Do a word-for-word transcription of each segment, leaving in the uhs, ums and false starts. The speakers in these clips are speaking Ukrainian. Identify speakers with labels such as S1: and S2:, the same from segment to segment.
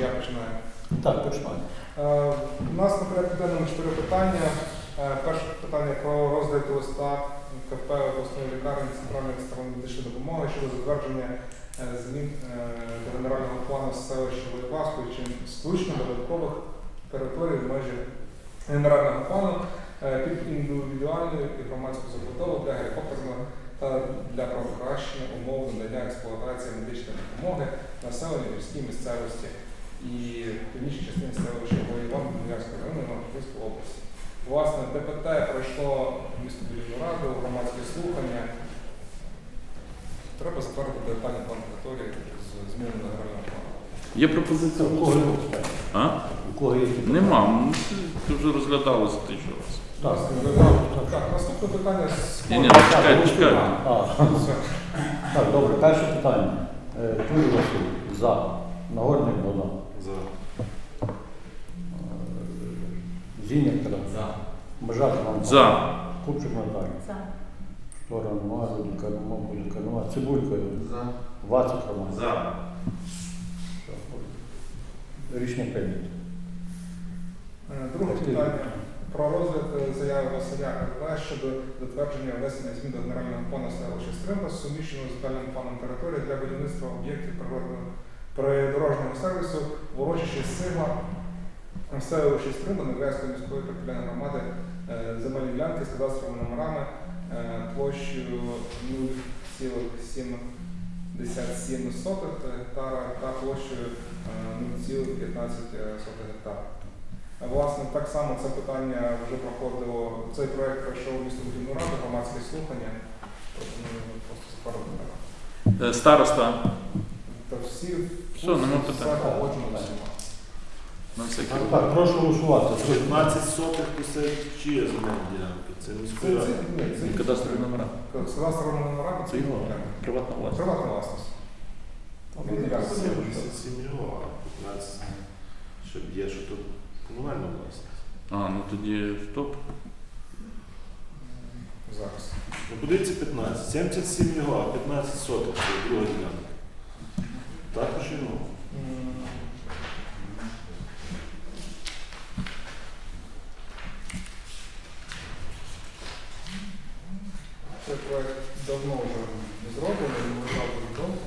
S1: я починаю?
S2: Так, починаю.
S1: Е, У нас на порядку денному чотири питання. Е, Перше питання про розгляд листа КП обласної лікарні центральної екстреної медичної допомоги щодо затвердження е, змін е, до генерального плану селища Великославської чи включно додаткових територій в межі генерального плану е, під індивідуальну і громадську забудову для гелікоптерного та для покращення умов надання експлуатації медичної допомоги населенню в гірській місцевості і північній частині селища Воєван Більярського району Івано-Франківської області. Власне, ДПТ пройшло містобудівну раду, громадські слухання. Треба затвердити детальний план території з зміною до генерального плану.
S3: Є пропозиція?
S2: У кого є питання?
S3: А?
S2: У кого є питання?
S3: Нема. Ну, Це вже розглядалося тисячу разів.
S2: Так,
S1: Так, наступне питання з
S3: Ні, ні, чекайте, чекайте.
S2: А, так, добре, перше питання. Е, Тур Василь, за. Нагорний Богдан.
S4: За.
S2: Зіння Тарас.
S5: За.
S2: Бажак Іван.
S3: За.
S2: Купчик Наталія.
S6: За.
S2: Штора нема, Рудіка нема, Будіка нема. Цибулька.
S5: За.
S2: Вацик Роман.
S3: За.
S2: Рішення прийнято.
S1: Е, Друге питання про розгляд е, заяви Василя РВ щодо затвердження внесення змін до генерального плану селища Стримба, суміщеного з детальним планом території для будівництва об'єктів природного придорожнього сервісу в урочищі Сима в селищі Стримба Невельської міської територіальної громади е, земельні ділянки з кадастровими номерами е, площею нуль цілих сімдесят сім гектара та площею е, нуль цілих п'ятнадцять гектара. Власне, так само це питання вже проходило, цей проєкт пройшов у містобудівну раду, громадські слухання. Пропоную просто запарувати.
S3: Е, Староста.
S1: Та всі,
S3: Все, нема питань.
S1: все погоджено всіма.
S3: На всякий
S2: Так,
S3: випадок.
S2: так, прошу голосувати.
S4: п'ятнадцять сотих то це чиє земельні ділянки? Це
S1: Це,
S4: міської ради.
S1: це, ні, це,
S3: Кадастрові номера.
S1: з кадастровими номерами
S3: Це його приватна власність.
S1: приватна власність. Він ділянка.
S4: вісімдесят сім його, а п'ятнадцять, щоб є, що тут комунальна власність.
S3: А, ну тоді стоп.
S1: Зараз.
S4: Ну, подивіться п'ятнадцять. сімдесят сім його, а п'ятнадцять сотих це друга ділянка. Також і ну.
S1: М. Цей проект давно вже зроблений, він лежав дуже довго.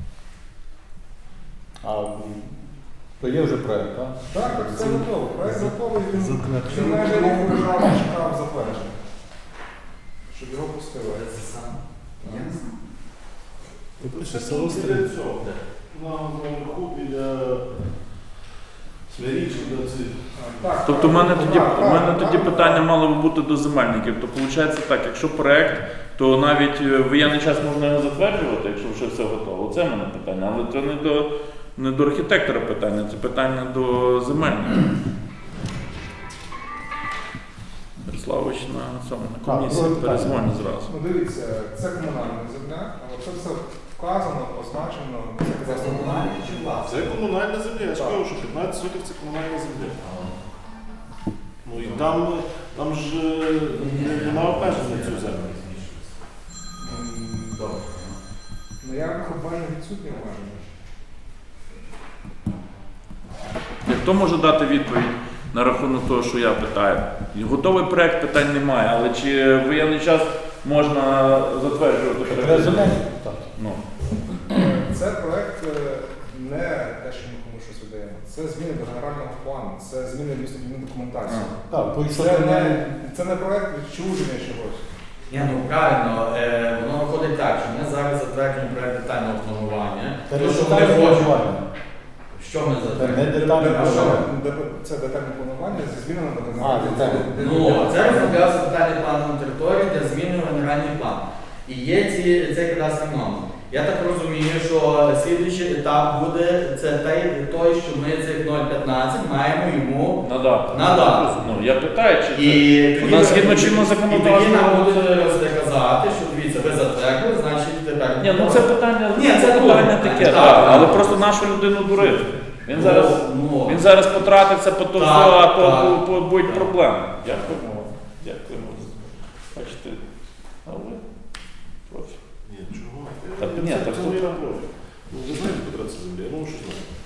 S2: А, м, то є вже проєкт, так?
S1: Так, так, все готово. Проект готовий, він
S4: Затверджений.
S1: він майже рік лежав, чекав затвердження. Щоб його пустили.
S5: Це сам. Я не знаю.
S4: Це село біля цього. На наверху біля Смирічки, до цих.
S1: Так,
S3: Тобто в мене
S1: так,
S3: тоді,
S1: так,
S3: в мене
S1: так,
S3: тоді
S1: так.
S3: питання мало би бути до земельників. То виходить так, якщо проект, то навіть е, в воєнний час можна його затверджувати, якщо вже все готово. Це в мене питання. Але це не до, не до архітектора питання, це питання до земельників. Ярославович на цьому на комісії
S2: друге питання.
S3: перезвонить зразу.
S1: Ну дивіться, це комунальна земля, але це все вказано, позначено, це
S5: Це
S1: кадастровий
S5: комунальний
S1: номер.
S5: чи власний?
S4: Це комунальна земля. Я ж
S1: Так.
S4: кажу, що п'ятнадцять сотих це комунальна земля. Ну і там, там ж е, нема обмежень на цю землю.
S1: М, Добре. Ну я обмежень відсутні обмеження.
S3: Хто може дати відповідь на рахунок того, що я питаю? Готовий проект, питань немає, але чи в воєнний час можна затверджувати
S2: Треба
S3: проект?
S2: земельні так.
S3: Ну.
S1: Це проект е, не те, що ми комусь щось видаємо. Це зміни до генерального плану, це зміни в містобудівну документацію.
S2: Так, то якщо
S1: Це
S2: ти
S1: не,
S2: не...
S1: це не проект відчуження чогось.
S5: Ні, ну правильно, е, воно виходить так, що ми зараз затверджуємо проект детального планування.
S2: Це
S5: То,
S2: не
S5: що ми
S2: детальне
S5: хочемо.
S2: планування.
S5: Що ми
S2: Це не
S5: затверджуємо?
S2: детальне
S1: А що
S2: планування.
S1: де- це детальне планування зі змінами до
S2: А,
S1: генерального
S2: детальне.
S5: Ну, це розроблявся детальний план на території для зміни в генеральний план. І є ці, цей кадастровий номер. Я так розумію, що слідуючий етап буде це той, той, що ми цих нуль п'ятнадцять маємо йому
S3: Надати.
S5: надати.
S3: Ну, я питаю, чи
S5: І
S3: це...
S5: тоді
S3: У нас
S5: ви-
S3: згідно чинного
S5: І тоді
S3: законодавства.
S5: нам будуть казати, що дивіться, ви затвердили, значить тепер.
S3: Ні, ну це питання,
S5: Ні, це
S3: питання
S5: добре.
S3: таке,
S5: Так,
S3: так,
S5: так.
S3: але просто нашу людину дурити. Він
S5: Ну,
S3: зараз,
S5: ну,
S3: він зараз потратиться по то,
S5: Так,
S3: все, а то
S5: так.
S3: бу- бу- будуть
S5: Так.
S3: проблеми. Дякуємо вам. Дякуємо. Бачите, а ви профі.
S4: Ні, чого?
S3: Та ні,
S4: Це-
S3: так
S4: це
S3: тут-
S4: моя профіль. Ну, ви знаєте, куди це земля? Ну, що знаю.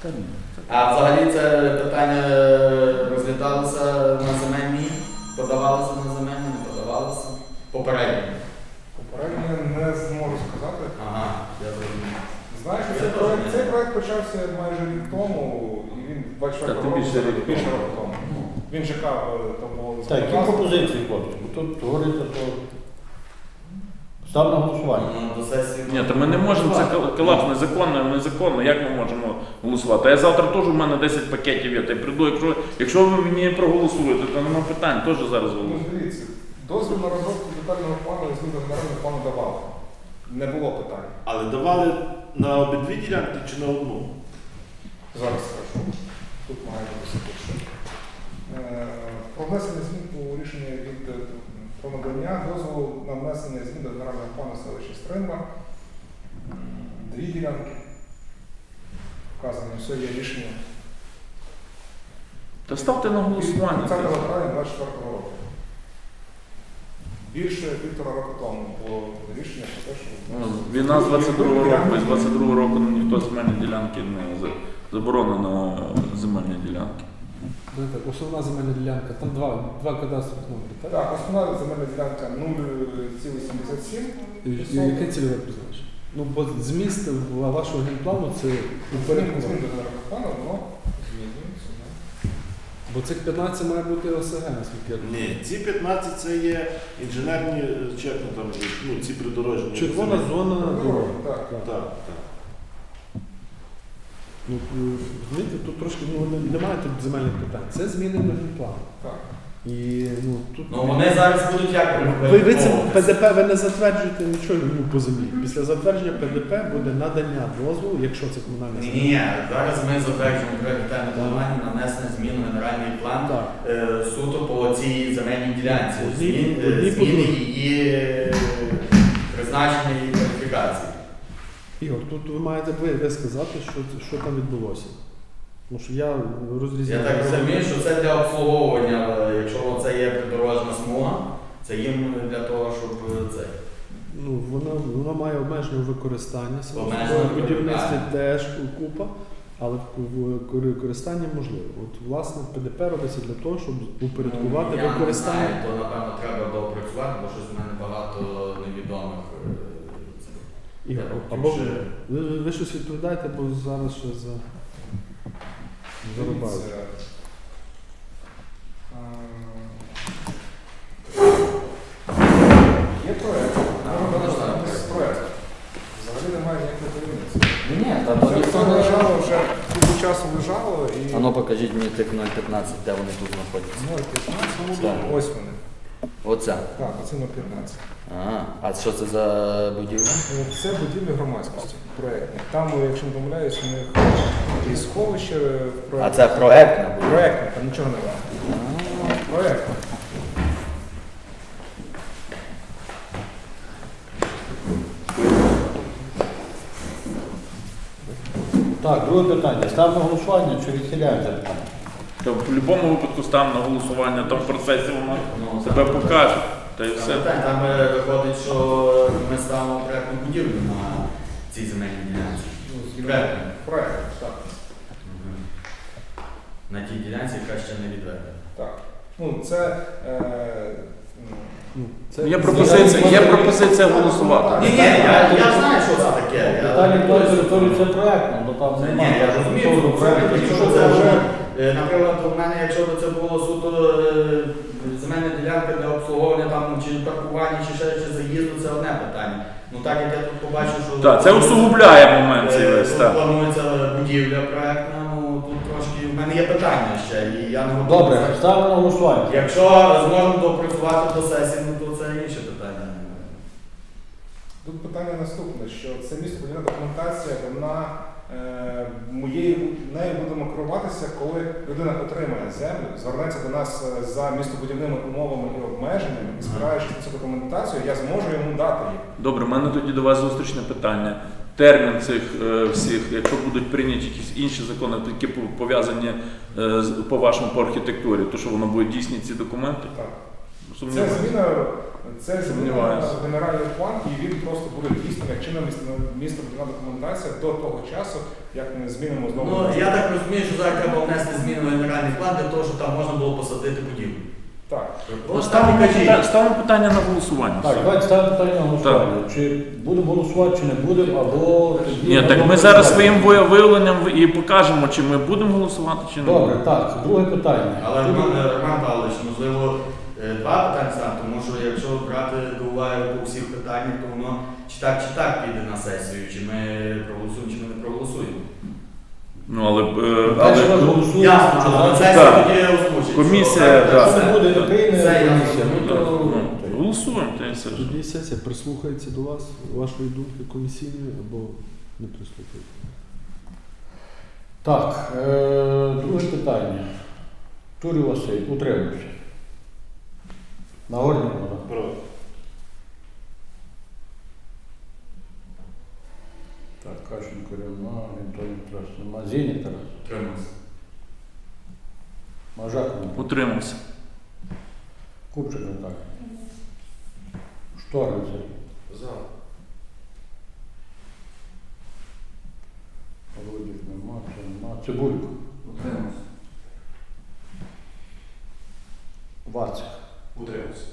S2: Та ні.
S5: А взагалі це питання розглядалося на земельній, подавалося на земельні, не подавалося? Попередньо.
S1: Попередньо не зможу сказати.
S5: Ага, я зрозумів.
S1: Знаєш,
S5: Я
S1: цей
S5: теж
S1: проект,
S5: не
S1: цей
S5: знаю.
S1: проект почався майже рік тому, і він двадцять
S3: Та,
S1: четвертого
S3: тим
S1: року,
S3: більше рік
S1: більше
S3: тому.
S1: року тому. Він чекав, е, там було
S2: Так, які
S1: законодавство.
S2: пропозиції, хлопці? Бо тут говориться, що став на голосування.
S5: Ну, до сесії.
S3: Ні, то ми не можемо, це кол- колапс незаконно, незаконно, як ми можемо голосувати? А я завтра теж у мене десять пакетів є, та й прийду, якщо, якщо ви мені проголосуєте, то нема питань, теж зараз
S1: Ну,
S3: голосую.
S1: дивіться, дозвіл на розробку детального плану і зміну генерального плану давали. Не було питань.
S4: Але давали на обидві ділянки чи на одну?
S1: Зараз скажу. Тут має бути все пише. Е, Про внесення змін у рішення від е, про надання дозволу на внесення змін до генерального плану селища Стримба. М, Дві ділянки. Вказані, все є рішення.
S3: Та ставте на голосування.
S1: тридцятого травня двадцять четвертого року. Більше півтора року тому було рішення про те, що
S3: Ну, Війна з двадцять другого року, і з двадцять другого року ну, ніхто земельні ділянки не за- заборонено е, земельні ділянки.
S6: Ну, так, основна земельна ділянка, там два, два кадастрових номери, так?
S1: Так, основна земельна ділянка нуль цілих сімдесят сім.
S6: І, і яке цільове призначення? Ну, бо зміст вашого генплану це
S1: Змін
S6: упорядкування.
S1: змін до генерального плану, воно змінюється. да.
S6: Бо цих п'ятнадцять має бути ОСГ, наскільки я розумію.
S4: Ні, ці п'ятнадцять це є інженерні, е, чи як ну, там, ну, ці придорожні.
S6: Червона зона дороги.
S1: Так.
S6: Так.
S4: Так, так.
S6: Ну, е, розумієте, тут трошки ну, не- немає тут земельних питань. Це зміни до генплану.
S1: Так.
S6: І ну, тут...
S5: Ну вони зараз будуть як
S6: Ви, ви це
S5: відмовитись?
S6: ПДП ви не затверджуєте нічого ну, по землі. Після затвердження ПДП буде надання дозволу, якщо це комунальне
S5: Ні, ні, ні. Зараз ми затверджуємо пріоритетне планування нанесення змін у генеральний план
S6: Так.
S5: е, суто по цій земельній ділянці.
S6: Одні-
S5: Змін, е,
S6: одні по
S5: зміни
S6: другій.
S5: її е, призначення і кваліфікації.
S6: Ігор, тут ви маєте ви, ви сказати, що, що там відбулося. Тому що я розрізняю.
S5: Я так розумію, що це для обслуговування, е, якщо це є придорожна смуга, це їм для того, щоб е, це.
S6: Ну, воно, воно має обмежене використання. само
S5: Обмежене
S6: собою. В будівництві
S5: використання.
S6: теж купа, але в використанні можливо. От, власне, ПДП робиться для того, щоб упорядкувати
S5: Ну, я
S6: використання.
S5: не знаю, то напевно треба доопрацювати, бо щось в мене багато невідомих. е, цих.
S6: Ігор,
S5: Я
S6: або
S5: хотів
S6: ви,
S5: ще-
S6: ви, ви щось відповідаєте, бо зараз ще за зарубають.
S1: Дивіться, е, Є проект.
S5: А,
S1: Можна
S5: можна
S1: розглянути
S5: проект.
S1: проект. Взагалі немає ніякої таємниці.
S5: Ні, та
S1: Все
S5: тоді
S1: це
S5: це
S1: лежало вже купу часу лежало і
S5: А ну покажіть мені тих нуль п'ятнадцять, де вони тут знаходяться.
S1: ноль п'ятнадцять.
S5: Так.
S1: Ось вони.
S5: Оце.
S1: Так, оце ноль п'ятнадцять.
S5: Ага. А що це за будівля?
S1: Це будівлі громадськості проєктні. Там, якщо не помиляюсь, у них і сховище в
S5: А
S1: проєкті.
S5: це проектна будівля.
S1: Проєктне, там нічого немає. Проєктне.
S2: Так, друге питання. Став на голосування чи відхиляємо це питання?
S3: То в будь-якому випадку ставимо на голосування, там в процесі воно
S5: Ну,
S3: себе
S5: так.
S3: покаже. Та й
S5: Там,
S3: все.
S5: питань, там е, виходить, що ми ставимо проектну будівлю на цій земельній ділянці. Проектну.
S1: Проєкт, так.
S5: На тій ділянці, яка ще не відведена.
S1: Так. Ну, це. Е, м,
S6: Ну, це
S3: Є пропозиція, є пропозиція голосувати.
S5: Ні, ні, я, я знаю, що це таке. Я-
S2: Детальний план території це проєктно, бо там
S5: Ні,
S2: немає.
S5: я розумію,
S2: Того
S5: що
S2: проекту,
S5: це,
S2: якщо
S5: якщо
S2: це
S5: це
S2: вже
S5: вже, е, наприклад, у мене, якщо б це було суто е, земельна ділянка для обслуговування там чи паркування, чи ще чи заїзду, це одне питання. Ну так як я тут побачив, що
S3: Так, це усугубляє момент цей
S5: е,
S3: весь.
S5: тут
S3: Так.
S5: планується будівля проектна, ну тут трошки в мене є питання ще, і я не готовий.
S2: Добре,
S5: зараз-
S2: ставимо на голосування.
S5: Якщо зможемо допрацювати до сесії, ну то це інше питання.
S1: Тут питання наступне, що це містобудівна документація, вона е, моєю нею будемо керуватися, коли людина отримає землю, звернеться до нас е, за містобудівними умовами і обмеженнями, і спираючись на цю документацію, я зможу йому дати їх.
S3: Добре, в мене тоді до вас зустрічне питання. Термін цих е, всіх, якщо будуть прийняті якісь інші закони, які пов'язані е, з- по вашому по архітектурі, то що воно буде дійсні ці документи?
S1: Так. Це
S3: сумніваюся.
S1: зміна, це зміна
S3: Сумніваюся.
S1: в генеральний план, і він просто буде дійсним як чинна містобудівна документація до того часу, як ми змінимо знову.
S5: Ну, я так розумію, що зараз треба внести зміни в генеральний план для того, щоб там можна було посадити будівлю.
S1: Так.
S5: От
S3: Ставимо
S5: так і кажіть.
S3: питання, ставимо питання на голосування.
S2: Так,
S3: Все.
S2: давайте ставимо питання на голосування. Чи будемо голосувати, чи не будемо, або тоді
S3: Ні, так
S2: можемо
S3: ми зараз
S2: голосувати.
S3: своїм ви- виявленням і покажемо, чи ми будемо голосувати, чи не
S2: Добре,
S3: будемо.
S2: так, друге питання.
S5: Але Роман, Роман Павлович, можливо, е, два питання стане, тому що якщо брати до уваги по всіх питаннях, то воно чи так, чи так піде на сесію, чи ми проголосуємо, чи ми не проголосуємо.
S3: Ну, але, е,
S2: Перший раз
S3: але
S2: голосуємо,
S5: Ясно,
S2: чи
S5: але на
S2: за-
S5: сесію
S3: так.
S5: тоді озвучить.
S3: Комісія,
S5: що-
S3: так.
S2: Якщо не буде не прийме
S5: Це я
S2: комісія, ну
S5: розумію.
S2: то...
S3: ну, голосуємо, та й все ж.
S6: Тоді сесія прислухається до вас, вашої думки комісійної, або не прислухається.
S2: Так, е, друге питання. Турів Василь, утримався. Нагорний вода.
S4: Проти.
S2: Так, Кащенко, Рівна, Антонів Тарас, нема. Зінік Тарас,
S5: Утримався.
S2: Мажак, нема.
S3: Утримався.
S2: Купчик не так. Шторин Сергій.
S4: За.
S2: Володік нема, це нема. Цибулько.
S5: Утримався.
S2: Вацик.
S4: Утримався.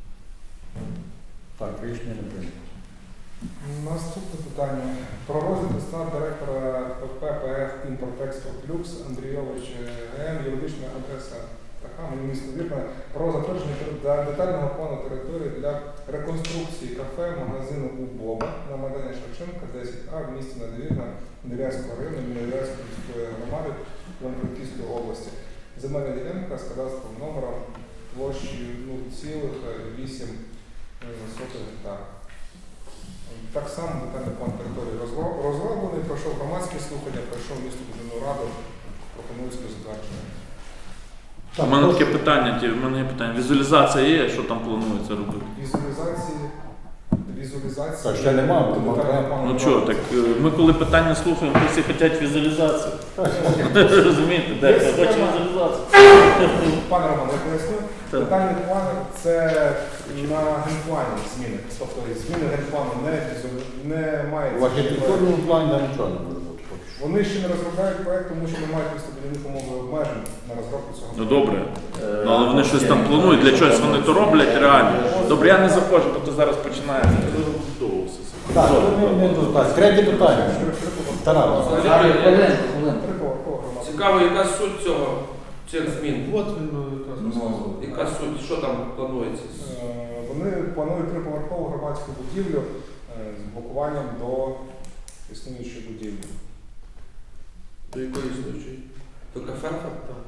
S2: Так, рішення не прийнято.
S1: Наступне питання. Про розгляд листа директора ПП ПФ «Імпортекспорт Люкс» Андрійович ГМ, юридична адреса така, мені місто Вірне, про затвердження де- детального плану території для реконструкції кафе, магазину у Боба на Майдані Шевченка, десять А в місті Надвірна, Невірянського району, Невірянської міської громади Івано-Франківської області. Земельна ділянка з кадастровим номером площею нуль цілих вісім гектар. Так само детальний план території розро- розроблений, пройшов громадські слухання, пройшов містобудівну раду, пропонується до затвердження.
S3: У мене таке питання, ті- в мене є питання. Візуалізація є, що там планується робити?
S1: Візуалізації, візуалізації.
S2: Так, ще нема,
S1: до
S2: тому
S1: детального
S2: треба.
S1: плану
S3: Ну що, так
S1: робиться.
S3: е, ми коли питання слухаємо, то всі хочуть візуалізацію. Розумієте, дехто хоче візуалізацію.
S1: Пане Роман, я поясню.
S3: Так.
S1: Детальний план це на генплані зміни. Тобто зміни генплану не, візу- не мають.
S2: В архітектурному плані там нічого не буде бути поки що.
S1: Вони ще не розробляють проєкт, тому що не мають містобудівних умов і обмежень на розробку цього.
S3: Ну добре. Ну, але вони щось там планують, для чогось вони то роблять реально. Добре, я не заходжу, бо то зараз починається.
S4: Довго все це.
S2: Так, то не, не тут. Так, третє питання. Тарас.
S5: Зараз, хвилинку, хвилинку.
S1: Трикова громада.
S7: Цікаво, яка суть цього, цих змін?
S6: От він ну, якраз
S5: Ну,
S6: розказував.
S7: Яка суть, що там планується?
S1: Е, Вони планують триповерхову громадську будівлю е, з блокуванням до існуючої будівлі.
S7: До якої існуючої? До кафе? Так.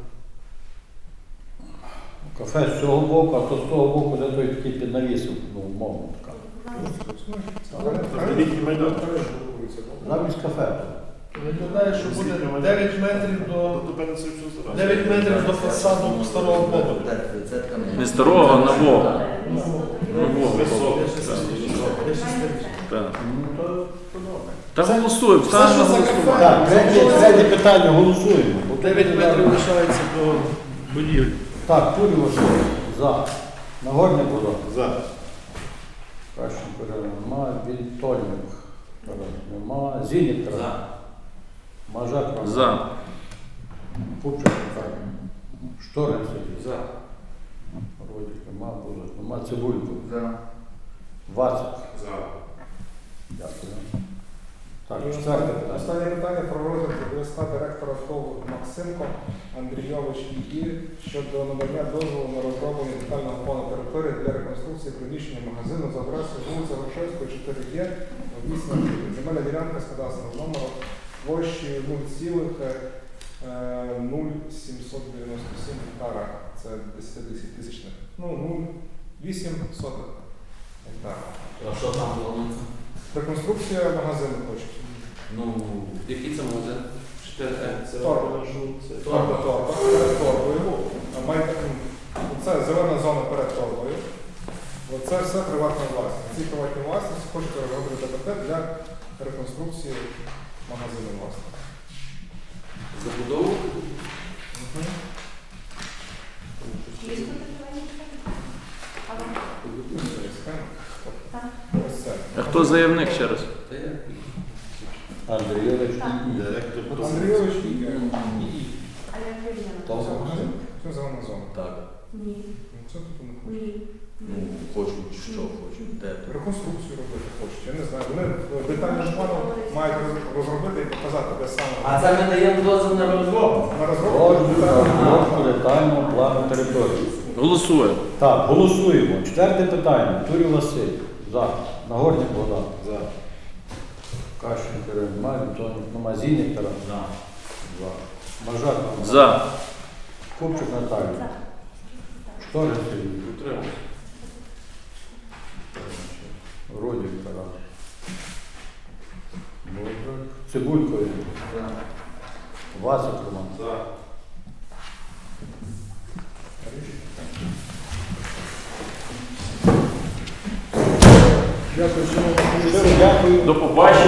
S2: Кафе з цього боку, а то з того боку, де той такий під навісом, ну, умовно така.
S4: Великий майдан.
S2: Замість кафе.
S6: Виглядає, що буде дев'ять метрів до
S4: Тобто певно це все зараз.
S6: дев'ять метрів до фасаду старого побуту.
S5: Це така
S3: Не старого, а нового.
S6: Ну,
S3: Нового.
S4: Високо.
S3: Так.
S2: Ну, то, то добре.
S3: Та голосуємо,
S6: Все,
S3: ставимо
S6: що
S3: на
S6: за
S3: голосування.
S6: кафе.
S2: Так, третє, третє питання, голосуємо. Бо тут
S6: дев'ять
S2: буде
S6: метрів
S2: зараз-
S6: лишається до будівлі.
S2: Так, Турі Василь, за. Нагорний Бодо.
S4: За.
S2: Кащенко нема, Вільтольник. Тарас нема. Зінік Тарас.
S5: За.
S2: Мажак Роман.
S3: За.
S2: Купчик так. Шторин Сергій.
S7: За.
S2: Родик нема, Бузик нема. Цибулько.
S5: За.
S2: Вацик.
S4: За.
S2: Дякую. Так,
S1: І
S2: четверте
S1: останнє,
S2: питання.
S1: останнє питання про розгляд листа директора ТОВ Максимко Андрійович І щодо надання дозволу на розроблення детального плану території для реконструкції приміщення магазину за адресою вулиця Грушевської, чотири Є, вісім. Земельна ділянка з кадастровим номером площею нуль цілих нуль сімсот дев'яносто сім гектара. Це десять тисячних. Ну, нуль вісім сотих гектара.
S5: А що там планується?
S1: Реконструкція магазину хочуть.
S5: Ну,
S7: Який це магазин? чотири Е.
S4: Це
S1: Торба.
S4: це.
S1: Торба, торба, перед торбою. А май- Це зелена зона перед торбою. Оце все приватна власність. Ці приватні власності хочуть переробити ДПТ для реконструкції магазину власне.
S7: Забудову?
S3: Хто заявник ще раз?
S7: Та як?
S2: Андрійович і
S4: Директор
S1: От
S4: то-
S1: Андрійович і
S8: А як вирішено?
S7: То зона.
S1: це зелена зона.
S5: Так.
S8: Ні.
S1: Ну, Це тут вони хочуть.
S8: Ні.
S5: Ну, хочуть, що хочуть. Де то?
S1: Реконструкцію робити хочуть. Я не знаю. Вони детальним планом мають роз- розробити і показати, де саме.
S5: А це ми даємо дозвіл на розробку.
S1: На розробку
S2: розробку
S1: детального
S2: розробку детального плану території.
S3: Голосує.
S2: Так, голосуємо. Четверте питання. Турів Василь. За. Нагорний Богдан.
S4: За.
S2: Кащенко немає, Антонів немає. Зінник Тарас.
S5: За.
S2: За. Мажак Роман.
S3: За.
S2: Купчик Наталія. Шторин Сергій.
S4: Утримався.
S2: Родік Тарас. Добре. Цибулько Ігор. Васик Роман.
S4: За.
S6: Дякую, шановні.
S2: Дякую.
S3: До побачення.